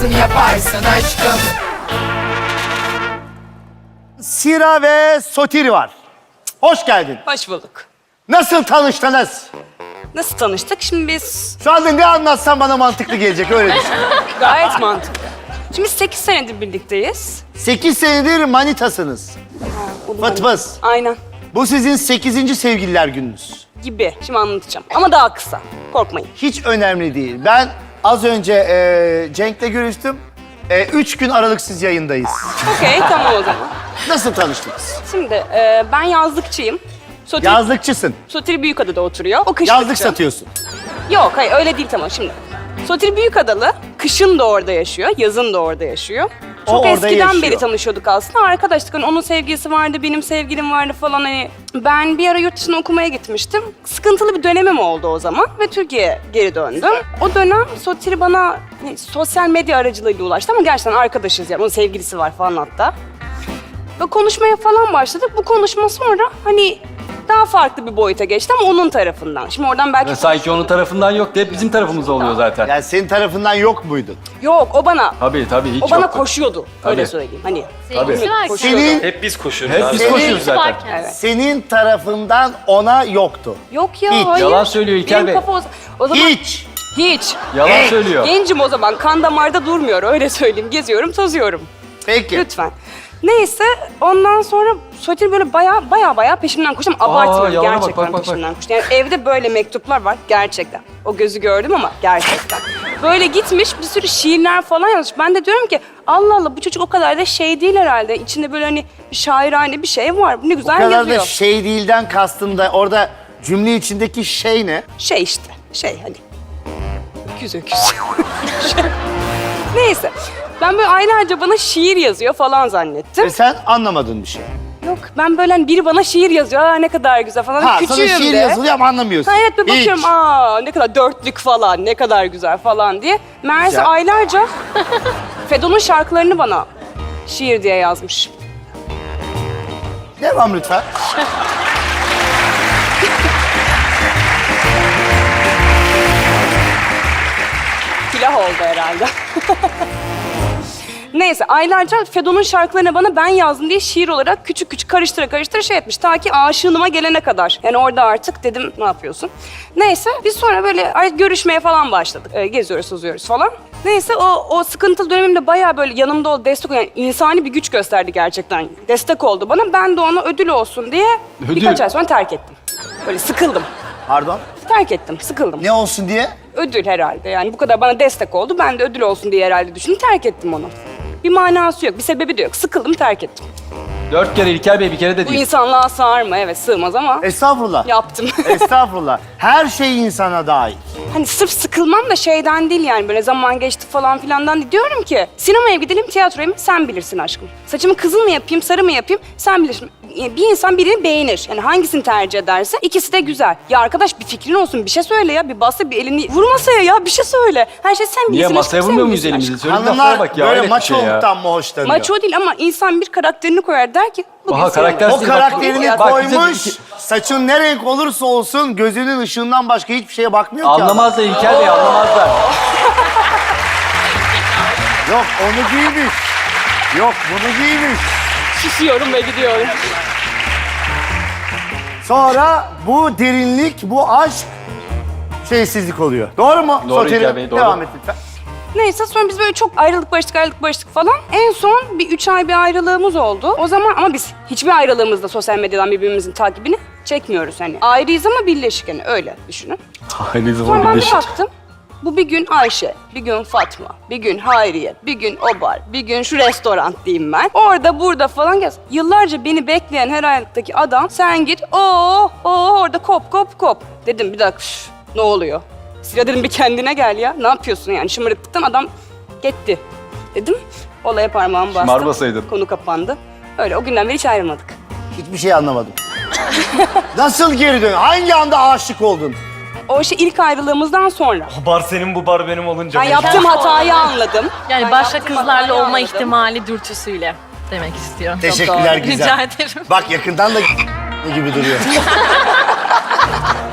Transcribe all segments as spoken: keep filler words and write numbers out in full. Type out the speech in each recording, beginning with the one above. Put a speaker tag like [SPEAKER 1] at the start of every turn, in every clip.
[SPEAKER 1] yaparsın yaparsın aşkım.
[SPEAKER 2] Sira ve Sotiri var. Hoş geldin.
[SPEAKER 3] Hoş bulduk.
[SPEAKER 2] Nasıl tanıştınız?
[SPEAKER 3] Nasıl tanıştık? Şimdi biz
[SPEAKER 2] Şu anda ne anlatsan bana mantıklı gelecek, öyle düşün.
[SPEAKER 3] gayet mantıklı. Şimdi biz sekiz senedir birlikteyiz.
[SPEAKER 2] Sekiz senedir manitasınız. Fıt fıs.
[SPEAKER 3] Aynen.
[SPEAKER 2] Bu sizin sekizinci sevgililer gününüz.
[SPEAKER 3] Gibi. Şimdi anlatacağım. Ama daha kısa. Korkmayın.
[SPEAKER 2] Hiç önemli değil. Ben az önce e, Cenk'le görüştüm. E, üç gün aralıksız yayındayız.
[SPEAKER 3] Okey, tamam o zaman.
[SPEAKER 2] Nasıl tanıştınız?
[SPEAKER 3] Şimdi e, ben yazlıkçıyım. Sotir,
[SPEAKER 2] Yazlıkçısın.
[SPEAKER 3] Sotir Büyükada'da oturuyor. O kışlıkçı.
[SPEAKER 2] Yazlık satıyorsun.
[SPEAKER 3] Yok, hayır öyle değil tamam şimdi. Sotir Büyükadalı kışın da orada yaşıyor, yazın da orada yaşıyor.
[SPEAKER 2] O
[SPEAKER 3] Çok
[SPEAKER 2] orada
[SPEAKER 3] eskiden
[SPEAKER 2] yaşıyor.
[SPEAKER 3] beri tanışıyorduk aslında. Arkadaşlık hani onun sevgilisi vardı, benim sevgilim vardı falan hani. Ben bir ara yurt dışına okumaya gitmiştim. Sıkıntılı bir dönemim oldu o zaman ve Türkiye'ye geri döndüm. O dönem Sotir bana hani, sosyal medya aracılığıyla ulaştı ama gerçekten arkadaşız yani. Onun sevgilisi var falan hatta. Ve konuşmaya falan başladık. Bu konuşma sonra hani daha farklı bir boyuta geçti ama onun tarafından. Şimdi oradan belki...
[SPEAKER 4] Ya sanki onun tarafından yok, hep bizim tarafımızda oluyor zaten.
[SPEAKER 2] Yani senin tarafından yok muydu?
[SPEAKER 3] Yok, o bana...
[SPEAKER 4] Tabii tabii hiç
[SPEAKER 3] O bana
[SPEAKER 4] yoktu.
[SPEAKER 3] koşuyordu. Öyle
[SPEAKER 4] Tabii.
[SPEAKER 3] söyleyeyim. Hani
[SPEAKER 5] Sevgilisi var ki.
[SPEAKER 3] koşuyordu.
[SPEAKER 2] Senin,
[SPEAKER 6] Hep biz koşuyoruz
[SPEAKER 4] Hep
[SPEAKER 6] abi.
[SPEAKER 4] biz
[SPEAKER 2] Senin-
[SPEAKER 4] koşuyoruz zaten.
[SPEAKER 5] varken.
[SPEAKER 3] Evet.
[SPEAKER 2] senin tarafından ona yoktu.
[SPEAKER 3] Yok ya,
[SPEAKER 2] Hiç.
[SPEAKER 3] hayır.
[SPEAKER 4] Yalan söylüyor İlker
[SPEAKER 3] Benim
[SPEAKER 4] Bey.
[SPEAKER 3] kafa o, o zaman...
[SPEAKER 2] Hiç.
[SPEAKER 3] Hiç.
[SPEAKER 4] Yalan
[SPEAKER 2] Hey.
[SPEAKER 4] söylüyor.
[SPEAKER 3] Gencim o zaman. Kan damarda durmuyor. Öyle söyleyeyim. Geziyorum, tozuyorum.
[SPEAKER 2] Peki.
[SPEAKER 3] Lütfen. Neyse ondan sonra Sotir böyle baya baya baya peşimden koştu ama abartmıyorum
[SPEAKER 4] yalana bak,
[SPEAKER 3] gerçekten
[SPEAKER 4] bak, bak, bak.
[SPEAKER 3] peşimden koştu. Yani evde böyle mektuplar var gerçekten. O gözü gördüm ama gerçekten. Böyle gitmiş bir sürü şiirler falan yazmış. Ben de diyorum ki Allah Allah bu çocuk o kadar da şey değil herhalde. İçinde böyle hani bir şairane bir şey var. Ne
[SPEAKER 2] O
[SPEAKER 3] güzel
[SPEAKER 2] kadar
[SPEAKER 3] yazıyor.
[SPEAKER 2] da şey değilden kastın da orada cümle içindeki şey ne?
[SPEAKER 3] Şey işte şey hani. Öküz öküz. Şey. Neyse. Ben böyle aylarca bana şiir yazıyor falan zannettim.
[SPEAKER 2] Ve sen anlamadın bir şey.
[SPEAKER 3] Yok ben böyle hani biri bana şiir yazıyor. Aa ne kadar güzel falan.
[SPEAKER 2] Ha,
[SPEAKER 3] Küçüğüm
[SPEAKER 2] sana şiir
[SPEAKER 3] de.
[SPEAKER 2] yazılıyor ama anlamıyorsun.
[SPEAKER 3] Ha, evet bir
[SPEAKER 2] Hiç.
[SPEAKER 3] bakıyorum aa ne kadar dörtlük falan ne kadar güzel falan diye. Meğerse
[SPEAKER 2] Güzel.
[SPEAKER 3] aylarca Fedon'un şarkılarını bana şiir diye yazmış.
[SPEAKER 2] Devam lütfen.
[SPEAKER 3] Silah oldu herhalde. Neyse aylarca Fedon'un şarkılarını bana ben yazdım diye şiir olarak küçük küçük karıştıra karıştıra şey etmiş. Ta ki aşığınıma gelene kadar. Yani orada artık dedim ne yapıyorsun? Neyse biz sonra böyle ay- görüşmeye falan başladık. Ee, geziyoruz, tozuyoruz falan. Neyse o, o sıkıntılı dönemimde bayağı böyle yanımda ol, destek ol. Yani insani bir güç gösterdi gerçekten. Destek oldu bana. Ben de ona ödül olsun diye
[SPEAKER 4] Ödül?
[SPEAKER 3] birkaç ay sonra terk ettim. Böyle sıkıldım.
[SPEAKER 2] Pardon.
[SPEAKER 3] Terk ettim, sıkıldım.
[SPEAKER 2] Ne olsun diye?
[SPEAKER 3] Ödül herhalde. Yani bu kadar bana destek oldu. Ben de ödül olsun diye herhalde düşündüm. Terk ettim onu. Bir manası yok, bir sebebi de yok. Sıkıldım, terk ettim.
[SPEAKER 4] Dört kere İlker Bey bir kere de
[SPEAKER 3] Bu
[SPEAKER 4] değil.
[SPEAKER 3] insanlığa sığar mı? Evet, sığmaz ama
[SPEAKER 2] Estağfurullah.
[SPEAKER 3] yaptım.
[SPEAKER 2] Estağfurullah. Her şey insana dair.
[SPEAKER 3] Hani sırf sıkılmam da şeyden değil yani böyle zaman geçti falan filandan değil. Diyorum ki sinemaya gidelim, tiyatroya mı? Sen bilirsin aşkım. Saçımı kızıl mı yapayım, sarı mı yapayım? Sen bilirsin. Yani bir insan birini beğenir. Yani hangisini tercih ederse ikisi de güzel. Ya arkadaş bir fikrin olsun, bir şey söyle ya. Bir bassa bir elini vur masaya ya, bir şey söyle. Her şey sen
[SPEAKER 4] Niye
[SPEAKER 3] bilirsin.
[SPEAKER 4] masaya
[SPEAKER 3] aşkım, sen
[SPEAKER 4] vurmuyor muyuz
[SPEAKER 3] bilirsin
[SPEAKER 4] elimizi?
[SPEAKER 3] aşkım.
[SPEAKER 4] Söyle laflara
[SPEAKER 2] Hanımlar
[SPEAKER 4] bak ya.
[SPEAKER 2] böyle
[SPEAKER 4] hayret bir şey ya.
[SPEAKER 2] maçoluktan mı hoşlanıyor?
[SPEAKER 3] Maço değil ama insan bir karakterini koyar der ki bugün
[SPEAKER 4] Aha,
[SPEAKER 3] sinemaya.
[SPEAKER 4] karakter-
[SPEAKER 2] O karakterini
[SPEAKER 3] Bak,
[SPEAKER 2] koymuş,
[SPEAKER 4] bize-
[SPEAKER 2] saçın ne renk olursa olsun gözünün ışığından başka hiçbir şeye bakmıyor ki adam.
[SPEAKER 4] Anlamazlar İlker Bey, anlamazlar.
[SPEAKER 2] Yok onu giymiş. Yok bunu giymiş.
[SPEAKER 3] Susuyorum ve gidiyorum.
[SPEAKER 2] Sonra bu derinlik, bu aşk şeysizlik oluyor. Doğru mu?
[SPEAKER 4] Doğru
[SPEAKER 2] Soteri?
[SPEAKER 4] İlker Bey, doğru.
[SPEAKER 2] Devam et lütfen.
[SPEAKER 3] Neyse sonra biz böyle çok ayrılık barıştık ayrılık barıştık falan. En son bir üç ay bir ayrılığımız oldu. O zaman ama biz hiçbir ayrılığımızda sosyal medyadan birbirimizin takibini çekmiyoruz hani. Ayrıyız ama birleşik hani öyle düşünün.
[SPEAKER 4] Aynı
[SPEAKER 3] Sonra
[SPEAKER 4] zaman
[SPEAKER 3] ben bir
[SPEAKER 4] birleşik.
[SPEAKER 3] baktım. Bu bir gün Ayşe, bir gün Fatma, bir gün Hayriye, bir gün o bar, bir gün şu restoran diyeyim ben. Orada burada falan gez. Yıllarca beni bekleyen her ayaktaki adam sen git o o orada kop kop kop. Dedim bir dakika şş, ne oluyor? Sıra dedim bir kendine gel ya. Ne yapıyorsun yani şımarıklıktan adam gitti. Dedim olaya parmağımı bastım.
[SPEAKER 4] Şımarmasaydın.
[SPEAKER 3] Konu kapandı. Öyle o günden beri hiç ayrılmadık.
[SPEAKER 2] Hiçbir şey anlamadım. Nasıl geri dön? Hangi anda aşık oldun?
[SPEAKER 3] O şey ilk ayrılığımızdan sonra.
[SPEAKER 6] Bu bar senin, bu bar benim olunca.
[SPEAKER 3] Ben
[SPEAKER 6] bu-
[SPEAKER 3] yaptığım hatayı anladım.
[SPEAKER 5] Yani
[SPEAKER 3] Ben
[SPEAKER 5] başka
[SPEAKER 3] yaptığım
[SPEAKER 5] kızlarla
[SPEAKER 3] hatayı
[SPEAKER 5] olma
[SPEAKER 3] anladım.
[SPEAKER 5] ihtimali dürtüsüyle demek istiyorum.
[SPEAKER 2] Teşekkürler
[SPEAKER 3] doğru.
[SPEAKER 2] güzel.
[SPEAKER 5] Rica ederim.
[SPEAKER 2] Bak yakından da gibi duruyor.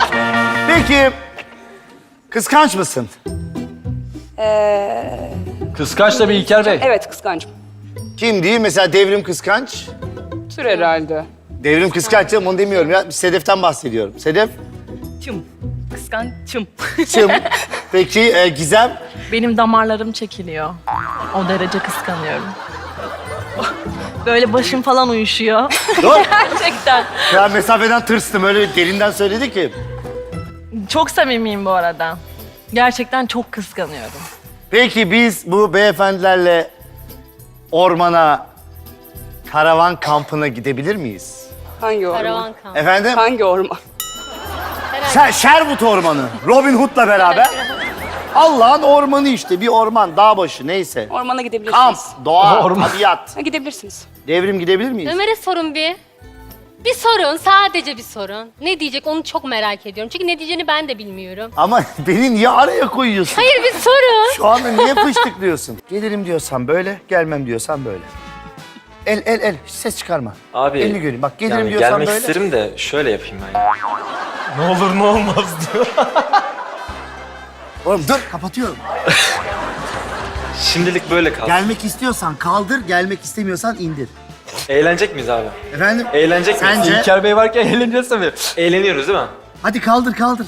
[SPEAKER 2] Peki kıskanç mısın?
[SPEAKER 3] Ee,
[SPEAKER 4] Kıskanç tabii İlker Bey.
[SPEAKER 3] Evet kıskancım.
[SPEAKER 2] Kim değil? Mesela Devrim kıskanç.
[SPEAKER 3] Tür herhalde.
[SPEAKER 2] Devrim kıskanç canım, onu demiyorum ya. Sedef'ten bahsediyorum. Sedef,
[SPEAKER 5] Çım. Kıskançım.
[SPEAKER 2] Çım. Peki e, Gizem?
[SPEAKER 5] Benim damarlarım çekiliyor. O derece kıskanıyorum. Böyle başım falan uyuşuyor.
[SPEAKER 2] Dur.
[SPEAKER 5] Gerçekten.
[SPEAKER 2] Ya mesafeden tırstım, öyle derinden söyledi ki.
[SPEAKER 5] Çok samimiyim bu arada. Gerçekten çok kıskanıyorum.
[SPEAKER 2] Peki biz bu beyefendilerle ormana, karavan kampına gidebilir miyiz?
[SPEAKER 3] Hangi orman?
[SPEAKER 1] Karavan kamp.
[SPEAKER 2] Efendim?
[SPEAKER 3] Hangi orman?
[SPEAKER 2] Şer Sherwood Ormanı. Robin Hood'la beraber. Allah'ın ormanı işte. Bir orman, dağ başı neyse.
[SPEAKER 3] Ormana gidebilirsiniz.
[SPEAKER 2] Kamp, doğa,
[SPEAKER 4] Orman.
[SPEAKER 2] tabiat.
[SPEAKER 3] Ha, gidebilirsiniz.
[SPEAKER 2] Devrim gidebilir miyiz?
[SPEAKER 1] Ömer'e sorun bir. Bir sorun, sadece bir sorun. Ne diyecek onu çok merak ediyorum. Çünkü ne diyeceğini ben de bilmiyorum.
[SPEAKER 2] Ama beni niye araya koyuyorsun?
[SPEAKER 1] Hayır bir sorun.
[SPEAKER 2] Şu anda niye fıştıklıyorsun? Gelirim diyorsan böyle, gelmem diyorsan böyle. El, el, el. Hiç ses çıkarma.
[SPEAKER 7] Abi,
[SPEAKER 2] Elini göreyim. Bak gelirim
[SPEAKER 7] yani
[SPEAKER 2] diyorsan
[SPEAKER 7] gelmek
[SPEAKER 2] böyle.
[SPEAKER 7] isterim de şöyle yapayım ben ya.
[SPEAKER 6] Ne olur ne olmaz diyor.
[SPEAKER 2] Oğlum dur, kapatıyorum.
[SPEAKER 7] Şimdilik böyle kalsın.
[SPEAKER 2] Gelmek istiyorsan kaldır, gelmek istemiyorsan indir.
[SPEAKER 7] Eğlenecek miyiz abi?
[SPEAKER 2] Efendim?
[SPEAKER 7] Eğlenecek miyiz?
[SPEAKER 2] Sence?
[SPEAKER 4] İlker Bey varken eğleneceğiz tabii.
[SPEAKER 7] Eğleniyoruz değil mi?
[SPEAKER 2] Hadi kaldır, kaldır.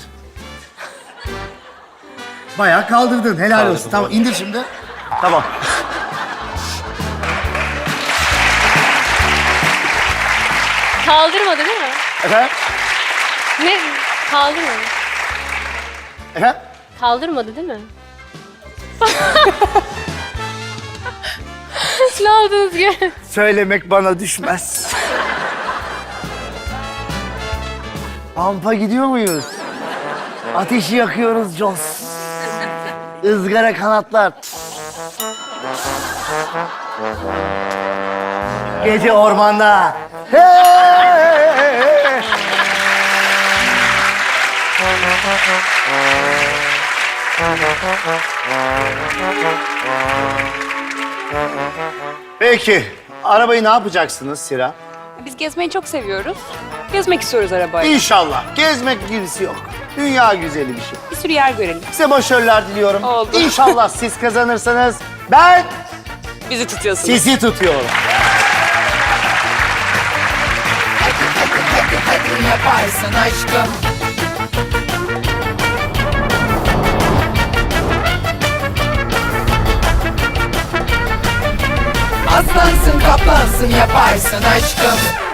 [SPEAKER 2] Bayağı kaldırdın. Helal
[SPEAKER 7] Kaldırdım,
[SPEAKER 2] olsun. Tamam,
[SPEAKER 7] evet.
[SPEAKER 2] indir şimdi. Tamam.
[SPEAKER 1] Kaldırmadı değil mi?
[SPEAKER 2] Efendim?
[SPEAKER 1] Ne? Kaldırmadı.
[SPEAKER 2] Efendim?
[SPEAKER 1] Kaldırmadı değil mi? ne yaptınız ki?
[SPEAKER 2] Söylemek bana düşmez. Kampa gidiyor muyuz? Ateşi yakıyoruz Jos. Izgara kanatlar. Gece ormanda. Hey! Peki, arabayı ne yapacaksınız Sira?
[SPEAKER 3] Biz gezmeyi çok seviyoruz. Gezmek istiyoruz arabayla.
[SPEAKER 2] İnşallah. Gezmek gibisi yok. Dünya güzeli bir şey.
[SPEAKER 3] Bir sürü yer görelim.
[SPEAKER 2] Size başarılar diliyorum.
[SPEAKER 3] Oldu.
[SPEAKER 2] İnşallah siz kazanırsanız ben
[SPEAKER 3] Bizi tutuyorsunuz.
[SPEAKER 2] sizi tutuyorum.
[SPEAKER 8] Yaparsın aşkım. Aslansın kaplansın yaparsın aşkım.